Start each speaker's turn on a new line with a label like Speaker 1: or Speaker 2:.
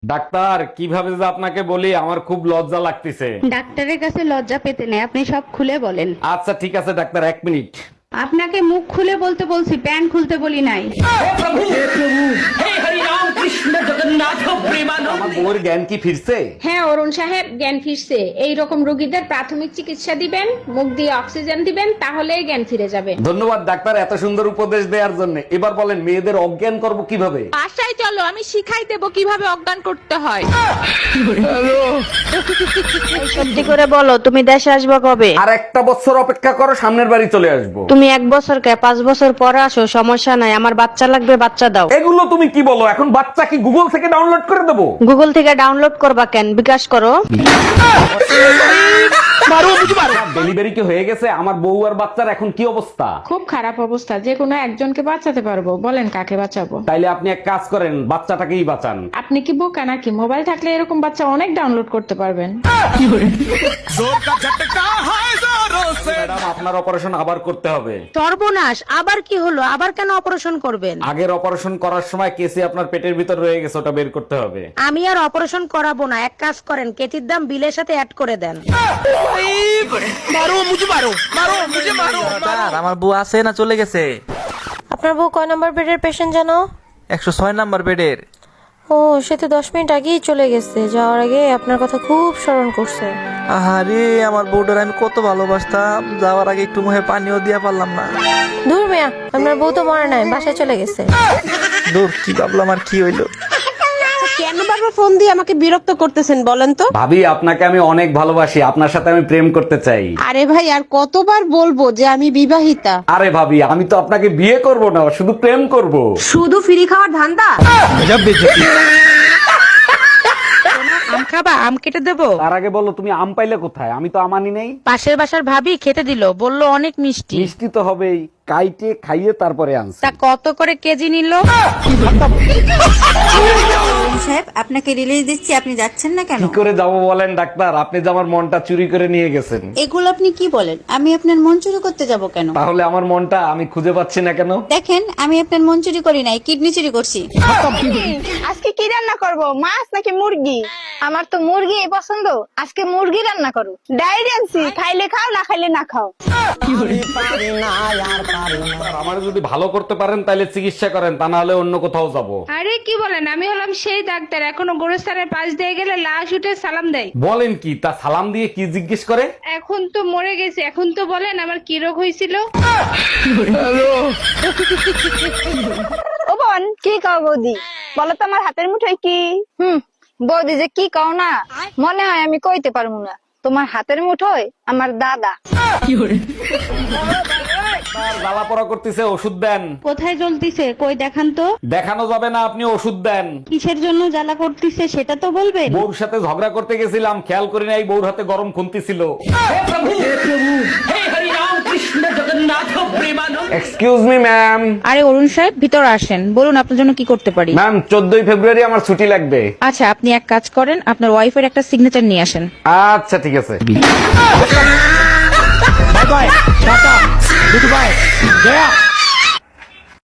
Speaker 1: Doctor, কিভাবে যে আপনাকে বলি, আমার খুব লজ্জা লাগতেছে।
Speaker 2: ডাক্তারের কাছে লজ্জা পেতে নেই, আপনি সব খুলে বলেন।
Speaker 1: আচ্ছা ঠিক আছে ডাক্তার, 1 মিনিট।
Speaker 2: আপনাকে মুখ খুলে বলতে বলছি, প্যান্ট খুলতে বলি নাই।
Speaker 1: আমার বউয়ের জ্ঞান কি ফিরছে?
Speaker 3: হ্যাঁ অরুণ সাহেব, জ্ঞান ফিরছে। এই রকম রোগীদের প্রাথমিক চিকিৎসা দিবেন, মুখ দিয়ে অক্সিজেন দিবেন, তাহলেই জ্ঞান ফিরে যাবে।
Speaker 1: ধন্যবাদ ডাক্তার এত সুন্দর উপদেশ দেওয়ার জন্য। এবার বলেন মেয়েদের অজ্ঞান করব কিভাবে?
Speaker 4: বাসায় চলো, আমি শিখাই দেবো কিভাবে অজ্ঞান করতে হয়।
Speaker 5: সত্যি করে বলো, তুমি দেশে আসবে কবে?
Speaker 1: আর একটা বছর অপেক্ষা করো, সামনের বাড়ি চলে আসবো।
Speaker 5: তুমি 1 বছর কে 5 বছর পরে আসো, সমস্যা নাই। আমার বাচ্চা লাগবে, বাচ্চা দাও।
Speaker 1: এগুলো তুমি কি বলো? এখন বাচ্চা কি গুগল থেকে ডাউনলোড করে দেবো?
Speaker 5: গুগল থেকে ডাউনলোড করবা কেন? বিকাশ করো।
Speaker 1: ডেলিভারি কি হয়ে গেছে? আমার বউ আর বাচ্চার এখন কি অবস্থা?
Speaker 3: খুব খারাপ অবস্থা, যে কোনো একজনকে বাঁচাতে পারবো, বলেন কাকে বাঁচাবো?
Speaker 1: তাইলে আপনি এক কাজ করেন, বাচ্চাটাকেই বাঁচান।
Speaker 3: আপনি কি বোকা নাকি? মোবাইল থাকলে এরকম বাচ্চা অনেক ডাউনলোড করতে পারবেন।
Speaker 1: ম্যাডাম, আপনার অপারেশন আবার করতে হবে।
Speaker 5: সর্বনাশ, আবার কি হলো? আবার কেন অপারেশন করবেন?
Speaker 1: আগের অপারেশন করার সময় কেসি আপনার পেটের ভিতর রয়ে গেছে, ওটা বের করতে হবে।
Speaker 5: আমি আর অপারেশন করাবো না। এক কাজ করেন, কেতির দাম বিলের সাথে অ্যাড করে দেন।
Speaker 6: স্যার, আমার বউ আছে না চলে গেছে?
Speaker 7: আপনার বউ কয় নম্বর বেডের পেশেন্ট জানো?
Speaker 6: 106 নাম্বার বেডের।
Speaker 7: ও, সে তো 10 মিনিট আগেই চলে গেছে। যাওয়ার আগে আপনার কথা খুব স্মরণ করছে।
Speaker 6: আহারে, আমার বউটার আমি কত ভালোবাসতাম, যাওয়ার আগে একটু মুখে পানিও দিয়া পারলাম না।
Speaker 7: দূর মিয়া, আপনার বউ তো মরে নাই, বাসায় চলে গেছে।
Speaker 6: দূর, কি ভাবলাম আর কি হইলো।
Speaker 5: কেন বারবার ফোন দিয়ে আমাকে বিরক্ত করতেছেন বলেন তো?
Speaker 1: ভাবি, আপনাকে আমি অনেক ভালোবাসি, আপনার সাথে আমি প্রেম করতে চাই।
Speaker 5: আরে ভাই, আর কতবার বলবো যে আমি বিবাহিতা?
Speaker 1: আরে ভাবি, আমি তো আপনাকে বিয়ে করব না, শুধু প্রেম করব।
Speaker 5: শুধু ফ্রি খাওয়ার ধান্দা? আম খাবা? আম কেটে দেবো?
Speaker 1: তার আগে বলো, তুমি আম পাইলে কোথায়? আমি তো আম আনি নাই।
Speaker 5: পাশের বাসার ভাবি খেতে দিল, বললো অনেক মিষ্টি।
Speaker 1: মিষ্টি তো হবেই, কাইটে খাইয়ে তারপরে আনছি।
Speaker 5: তা কত করে কেজি নিল?
Speaker 8: সাহেব, আপনাকে রিলিজ দিচ্ছি, আপনি যাচ্ছেন না কেন?
Speaker 1: কি করে যাবো বলেন ডাক্তার? আপনি যে আমার মনটা চুরি করে নিয়ে গেছেন।
Speaker 8: এগুলো আপনি কি বলেন? আমি আপনার মন চুরি করতে যাব কেন?
Speaker 1: তাহলে আমার মনটা আমি খুঁজে পাচ্ছি না কেন?
Speaker 8: দেখেন, আমি আপনার মন চুরি করি নাই, কিডনি চুরি করছি।
Speaker 4: আজকে কি রান্না করব? মাছ নাকি মুরগি? আমার তো মুরগি পছন্দ, আজকে মুরগি রান্না করো। ডায়েরি আনছি, খাইলে খাও, না খাইলে না খাও।
Speaker 1: আমার যদি ভালো করতে পারেন তাহলে চিকিৎসা করেন, তা না হলে অন্য কোথাও যাব।
Speaker 2: আরে কি বলেন, আমি হলাম সেই ডাক্তার, এখনো গোরস্থানের পাশ দিয়ে গেলে লাশ উঠে সালাম দেয়।
Speaker 1: বলেন কি? তা সালাম দিয়ে কি জিজ্ঞেস করে?
Speaker 2: এখন তো মরে গেছে, এখন তো বলেন আমার কি রোগ হয়েছিল।
Speaker 4: ও বোন, কি কও বৌদি? বলো তো আমার হাতের মুঠোয় কি? বৌদি যে কি কও না, মনে হয় আমি কইতে পারবো না। তোমার হাতের মুঠোয় আমার দাদা।
Speaker 1: জ্বালা পড়া করতেছে, ওষুধ দেন।
Speaker 2: কোথায় জ্বলতিছে? কই দেখান তো।
Speaker 1: দেখানো যাবে না, আপনি ওষুধ দেন।
Speaker 2: কিসের জন্য জ্বালা করতিছে সেটা তো বলবেন।
Speaker 1: বউর সাথে ঝগড়া করতে গেছিলাম, খেয়াল করি নাই বউর হাতে গরম খুন্তি ছিল। Excuse me ma'am.
Speaker 3: আরে অরুণ সাহেব, ভিতরে আসেন, বলুন আপনার জন্য কি করতে পারি।
Speaker 1: ম্যাম, 14 ফেব্রুয়ারি আমার ছুটি লাগবে।
Speaker 3: আচ্ছা, আপনি এক কাজ করেন, আপনার ওয়াইফের একটা সিগনেচার নিয়ে আসেন।
Speaker 1: আচ্ছা ঠিক আছে।
Speaker 6: Bye bye, tata, good bye, Jaya.